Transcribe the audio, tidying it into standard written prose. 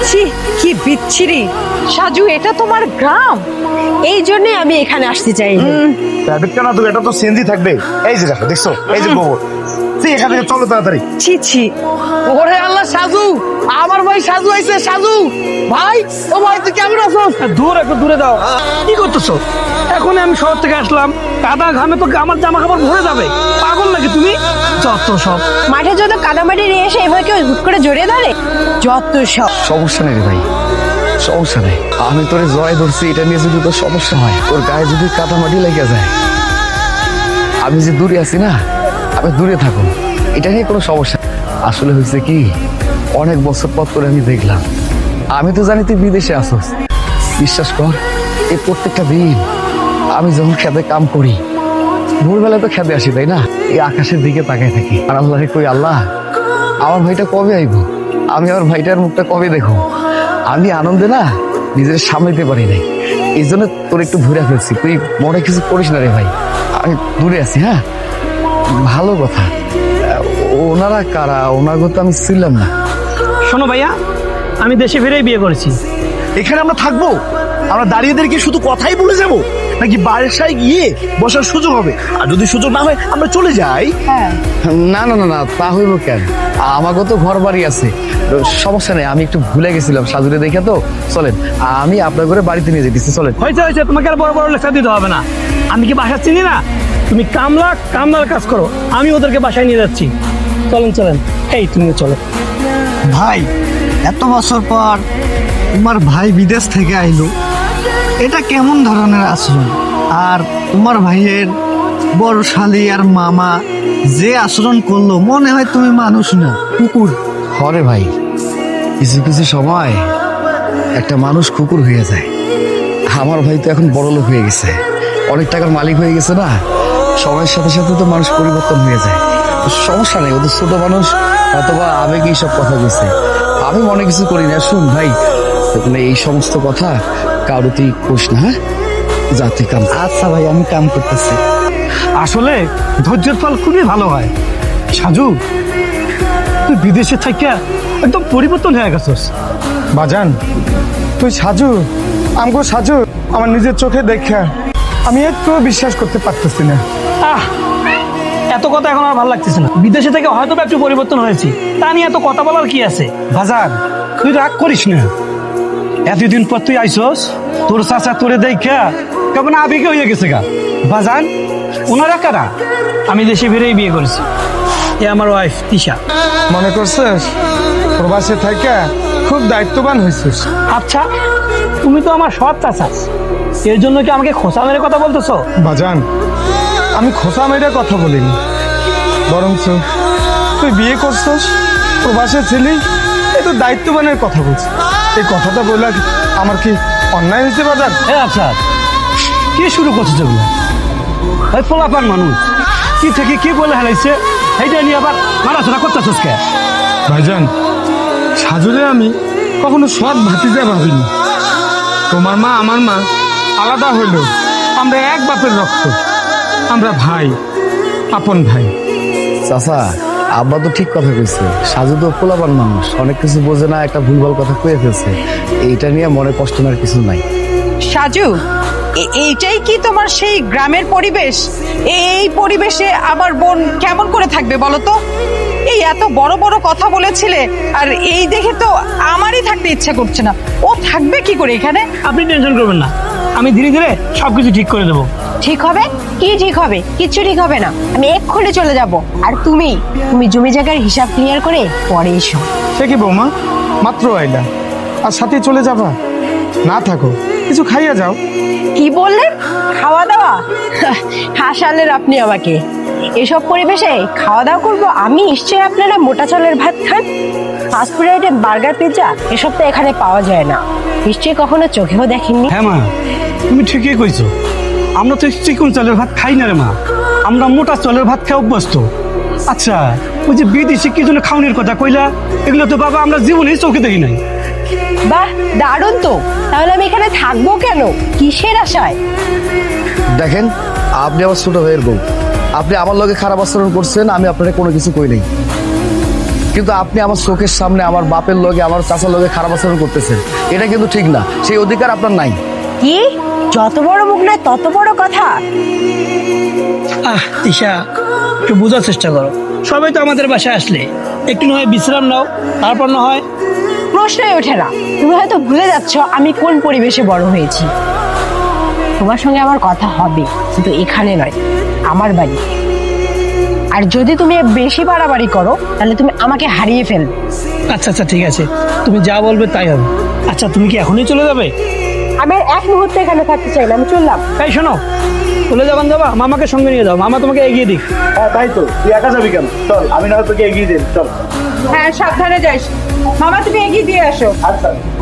ছি, কি বিচ্ছিরি। সাজু, এটা তোমার গ্রাম? এই জন্য আমি এখানে আসতে চাই। কেন তুমি, এটা তো সিএনজি থাকবে। এই যে দেখো, দেখছো, এই যে গোবর। এখান থেকে চলো তাড়াতাড়ি। ছি ছি। ওরে আল্লাহ, সাজু, আমার ভাই সাজু আইছে। সাজু ভাই, ও ভাই তুই কেমন আছো? দূর একটু দূরে দাও। কি করতেছো? এখন আমি শহর থেকে আসলাম, কাদা ঘামে তো আমার জামা কাপড় ভরে যাবে। পাগল নাকি তুমি? যত সব। মাঠে যত কাদামাটি নিয়ে এসে এবার কেউ হুট করে জড়িয়ে ধরে, যত সব। সমস্যা নেই রে ভাই, সমস্যা নেই। আমি তোরে জয় ধরছি, এটা নিয়ে যদি তোর সমস্যা হয়, তোর গায়ে যদি কাদামাটি লেগে যায়, আমি যে দূরে আছি না, আমি দূরে থাকুন, এটা নিয়ে কোনো সমস্যা। আসলে হয়েছে কি, অনেক বছর পর তোরে আমি দেখলাম। আমি তো জানি তুই বিদেশে আসোস। বিশ্বাস কর, এই প্রত্যেকটা দিন আমি যখন খেতে কাম করি, ভোরবেলা তো খেতে আসি, তাই না? এই আকাশের দিকে তাকায় থাকি, আর আল্লাহরে কই, আল্লাহ আমার ভাইটা কবে আইব, আমি আমার ভাইটার মুখটা কবে দেখো। আমি আনন্দে না নিজের সামলাইতে পারি নাই, এই জন্য তোর একটু ঘুরে ফেলছি। তুই মনে কিছু করিস না রে ভাই, আমি দূরে আছি। হ্যাঁ, ভালো কথা। ওনারা কারা? ওনাকে তো আমি ছিলাম না। শোনো ভাইয়া, আমি দেশে ফিরেই বিয়ে করেছি। এখানে আমরা থাকবো? আমরা দাঁড়িয়েদেরকে শুধু কথাই বলে যাবো, নাকি বাসায় গিয়ে বসার সুযোগ হবে? আর যদি সুযোগ না হয় আমরা চলে যাই। না না না না, তা হইব কেন? আমাকে তো ঘর বাড়ি আছে, সমস্যা নেই। আমি একটু ভুলে গেছিলাম সাজুরে দেখে, তো চলেন আমি আপনার ঘরে বাড়িতে নিয়ে যেতেছি। চলেন। হয়েছে হয়েছে, তোমাকে আর বড় বড় লেখা দিতে হবে না। আমি কি বাসা চিনি না? তুমি কামলার কাজ করো, আমি ওদেরকে বাসায় নিয়ে যাচ্ছি। চলেন চলেন, এই তুমিও চলো। ভাই, এত বছর পর তোমার ভাই বিদেশ থেকে আইলো, এটা কেমন ধরনের আচরণ? আর তোমার ভাইয়ের বড় শালি আর মামা যে আচরণ করলো, মনে হয় তুমি মানুষ না, কুকুর। হরে ভাই, কিছু কিছু সময় একটা মানুষ কুকুর হয়ে যায়। আমার ভাই তো এখন বড় লোক হয়ে গেছে, অনেক টাকার মালিক হয়ে গেছে না, সময়ের সাথে সাথে তো মানুষ পরিবর্তন হয়ে যায়। সমস্যা নেই, ওদের ছোট মানুষ অথবা আবেগে এইসব কথা বলছে, আমি মনে কিছু করি না। শুন ভাই, মানে এই সমস্ত কথা কারো তুই কোস না, হ্যাঁ? যা তুই কাম। আচ্ছা ভাই, আমি কাম করতেছি। আসলে ধৈর্যের ফল খুবই ভালো হয়। সাজু, তুই বিদেশে থাকিয়া একদম পরিবর্তন হয়ে গেছিস। বাজান, তুই সাজু, আমগো সাজু, আমার নিজের চোখে দেখা আমি একটু বিশ্বাস করতে পারতেছি না। আহ, এত কথা এখন আর ভালো লাগতেছে না। বিদেশে থেকে হয়তো একটু পরিবর্তন হয়েছি, তা নিয়ে এত কথা বলার কি আছে? বাজার, তুই রাগ করিস না। এতদিন পর তুই আইসস, তোর চাচা তোরে দেখা কেমন আবেগে হয়ে গেছে গা। বাজান, ওনারা কারা? আমি দেশে ফিরেই বিয়ে করেছি। এ আমার ওয়াইফ তিশা। মনে করছিস প্রবাসে থাকা খুব দায়িত্ববান হয়েছিস? আচ্ছা, তুমি তো আমার সৎ চাচা, এর জন্য কি আমাকে খোঁচা মেরে কথা বলতেছো? বাজান, আমি খোসা মেরে কথা বলিনি, বরঞ্চ তুই বিয়ে করছিস, প্রবাসে ছিলি, এই তো দায়িত্ববানের কথা বলছিস। এই কথাটা বলে আমার কি অন্যায় হয়েছে বাজান? আচ্ছা, কি শুরু করছো যেগুলো? ওই পোলাপান মানুষ কি থেকে কি বলে হেলাইছে, এইটা নিয়ে আবার মারাচড়া করতেছিস কে? ভাইজান, সাজুরে আমি কখনো সৎ ভাতিজা ভাবিনি। তোমার মা আমার মা আলাদা হইল, আমরা এক বাপের রক্ত, আমরা ভাই, আপন ভাই। চাচা, আব্বা তো ঠিক কথা কইছে। সাজু তো পোলাপান মানুষ, অনেক কিছু বোঝে না, একটা ভুলভাল কথা কয়ে ফেলছে। এইটা নিয়ে মনে কষ্ট নেওয়ার কিছু নাই। সাজু, এইটাই কি তোমার সেই গ্রামের পরিবেশ? এই পরিবেশে আমার বোন কেমন করে থাকবে বলো তো? এই এত বড় বড় কথা বলেছিলে, আর এই দেখে তো আমারই থাকতে ইচ্ছা করছে না। ও থাকবে কি করে এখানে? আপনি টেনশন করবেন না, আমি ধীরে ধীরে সবকিছু ঠিক করে দেবো। ঠিক হবে? কি ঠিক হবে? কিচ্ছু ঠিক হবে না। আমি এক্ষুনি চলে যাব। আর তুমি জমি জায়গার হিসাব ক্লিয়ার করে পরে এসো। সে কি বৌমা, মাত্র আইলা আর সাথে চলে যাবা? না থাকো, কিছু খাইয়া যাও। কি বললেন? খাওয়া দাওয়া? হাসালেন আপনি আমাকে। এসব পরিবেশে খাওয়া দাওয়া করবো আমি? নিশ্চয়ই আপনারা মোটা চালের ভাত খান। ফাস্টফুড আইটেম, বার্গার, পিৎজা এসব তো এখানে পাওয়া যায় না। নিশ্চয়ই কখনো চোখেও দেখেননি। হ্যাঁ মা, তুমি ঠিকই কইছো। আমরা তো চিকন চালের ভাত খাই না রে মা, আমরা মোটা চালের ভাত খেয়ে অভ্যস্ত। আচ্ছা, ওই যে বিদেশি কি জন্য খাওয়ানোর কথা কইলা, এগুলো তো বাবা আমরা জীবনেই চোখে দেখি নাই। বাহ, দারুণ তো। তাহলে আমি এখানে থাকবো কেন? কিসের আশায়? দেখেন, আপনি আমার ছোট ভাইয়ের বউ, আপনি আমার লগে খারাপ আচরণ করছেন, আমি আপনার কোনো কিছু কই নাই। কিন্তু আপনি আমার চোখের সামনে আমার বাপের লগে আমার চাচার লগে খারাপ আচরণ করতেছেন, এটা কিন্তু ঠিক না। সেই অধিকার আপনার নাই। কি যত বড় মুখ নয় তত বড় কথা? তিশা, একটু বোঝার চেষ্টা করো। সবাই তো আমাদের বাসায় আসলে একটু না হয় বিশ্রাম নাও, তারপর না হয়। প্রশ্নই ওঠে না। তুমি হয়তো ভুলে যাচ্ছ আমি কোন পরিবেশে বড় হয়েছি। তোমার সঙ্গে আমার কথা হবে, কিন্তু এখানে নয়, আমার বাড়ি। আর যদি তুমি বেশি বাড়াবাড়ি করো তাহলে তুমি আমাকে হারিয়ে ফেলবে। আচ্ছা আচ্ছা, ঠিক আছে, তুমি যা বলবে তাই হবে। আচ্ছা, তুমি কি এখনই চলে যাবে? আমি আর এক মুহূর্তে এখানে থাকতে চাই না, আমি চললাম। এই শোনো, চলে যাবেন যাবা, মামাকে সঙ্গে নিয়ে যাও, মামা তোমাকে এগিয়ে দিক। হ্যাঁ তাই তো, তুই একা যাবি কেন? চল, আমি না হয় তোকে এগিয়ে দিন, চল। হ্যাঁ, সাবধানে যাইস। মামা, তুমি এগিয়ে দিয়ে আসো। আচ্ছা।